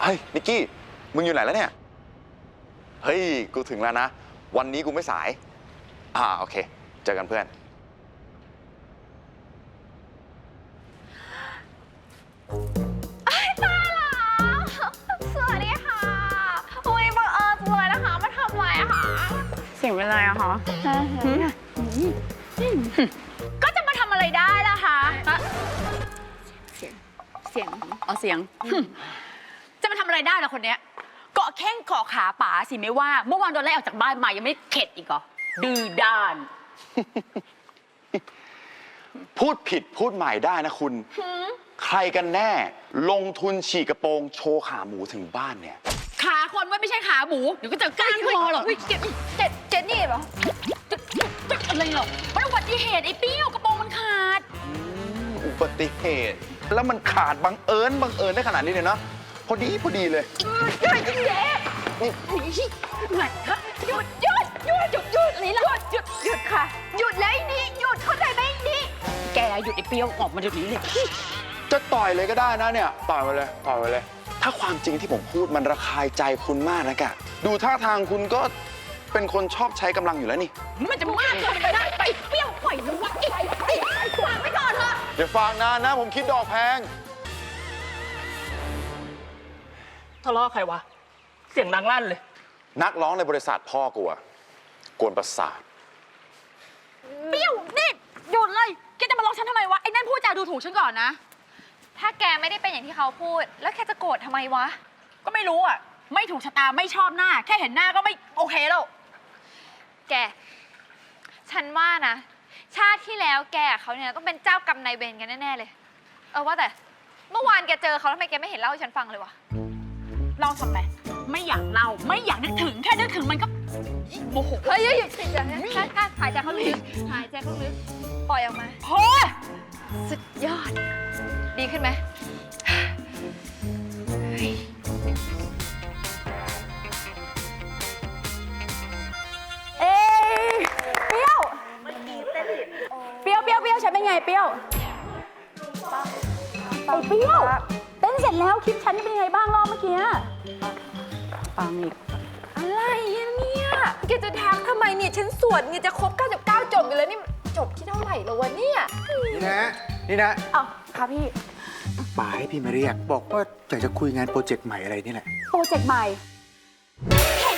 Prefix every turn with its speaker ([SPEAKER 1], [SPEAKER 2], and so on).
[SPEAKER 1] เฮ้ยนิกกี้มึงอยู่ไหนแล้วเนี่ยเฮ้ยกูถึงแล้วนะวันนี้กูไม่สายโอเคเจอกันเพื่อน
[SPEAKER 2] ตายแล้วสวัสดีค่ะอุ้ยบังเอิญจังเลยนะคะมาทำอะไรอะคะเสียงเป็นไรอะคะก็จะมาทำอะไรได้ล่ะคะเสียงเอาเสียงจะมาทำอะไรได้ล่ะคนเนี้ยเกาะแข้งเกาะขาป๋าสิไม่ว่าเมื่อวานโดนไล่ออกจากบ้านมายังไม่เข็ดอีกเหรอดื้อด้าน
[SPEAKER 1] พูดผิดพูดใหม่ได้นะคุณใครกันแน่ลงทุนฉีกกระโปรงโชว์ขาหมูถึงบ้านเนี่ย
[SPEAKER 2] ขาคนว่าไม่ใช่ขาหมูเดี๋ยวก็จะก้านคอหรอกเจ็ดนี่เหรออะไรหรอมันอุบัติเหตุไอ้เปี้ยวกระโปรงมันขาด
[SPEAKER 1] อุบัติเหตุแล้วมันขาดบังเอิญได้ขนาดนี้เลยเนาะพอดีเลย
[SPEAKER 2] เจ๊ไหนคะหยุดนี่ล่ะหยุดค่ะหยุดเลยนี่หยุดเข้าใจไหมนี่แกหยุดไอ้เปี้ยวออกมาเดี๋ยวนี้เลย
[SPEAKER 1] จะต่อยเลยก็ได้นะเนี่ยต่อยไปเลยถ้าความจริงที่ผมพูดมันระคายใจคุณมากนะกะดูท่าทางคุณก็เป็นคนชอบใช้กำลังอยู่แล้วนี่
[SPEAKER 2] มันจะมากเกินไปได้ไปเปี้ยวปล่อยมันวะวางไว้ก่อนเถอะ
[SPEAKER 1] อย่าฟังนานนะผมคิดดอกแพง
[SPEAKER 3] ทะเลาะใครวะเสียงดังลั่นเลย
[SPEAKER 1] นักร้องในบริษัทพ่อกูอะกวนประสาท
[SPEAKER 2] เปี้ยวนี่หยุดเลยแกจะมาลองฉันทำไมวะไอ้นั่นพูดจาดูถูกฉันก่อนนะถ้าแกไม่ได้เป็นอย่างที่เขาพูดแล้วแกจะโกรธทำไมวะก็ไม่รู้อ่ะไม่ถูกชะตาไม่ชอบหน้าแค่เห็นหน้าก็ไม่โอเคแล้วแกฉันว่านะชาติที่แล้วแกเขาเนี่ยต้องเป็นเจ้ากรรมนายเวรกันแน่ๆเลยว่าแต่เมื่อวานแกเจอเขาทำไมแกไม่เห็นเล่าให้ฉันฟังเลยวะเล่าทำไมไม่อยากเล่าไม่อยากนึกถึงแค่นึกถึงมันก็โมโหเฮ้ยหยุดสิเดี๋ยวนะหายใจเข้าลึกปล่อยออกมาโอ้ยสุดยอดดีขึ้นไหม
[SPEAKER 4] เอ้ยเปรี้ยวเปรี้ยวฉันเป็นไงเปรี้ยวไอ้เปรี้ยวเต้นเสร็จแล้วคลิปฉันเป็นไงบ้างรอบเมื่อกี้ปังอีก
[SPEAKER 2] อะไรเนี่ยแกจะทักทำไมเนี่ยฉันสวดเนี่ยจะครบ99จบอยู่แล้วนี่จบที่เท่าไหร่แล้ววะเนี่ย
[SPEAKER 5] นี่นะ
[SPEAKER 4] อ้าวค่ะพี่
[SPEAKER 5] ป๋าให้พี่มาเรียกบอกว่าอยากจะคุยงานโปรเจกต์ใหม่อะไรนี่แหละ
[SPEAKER 4] โปรเจกต์ใหม่เห็น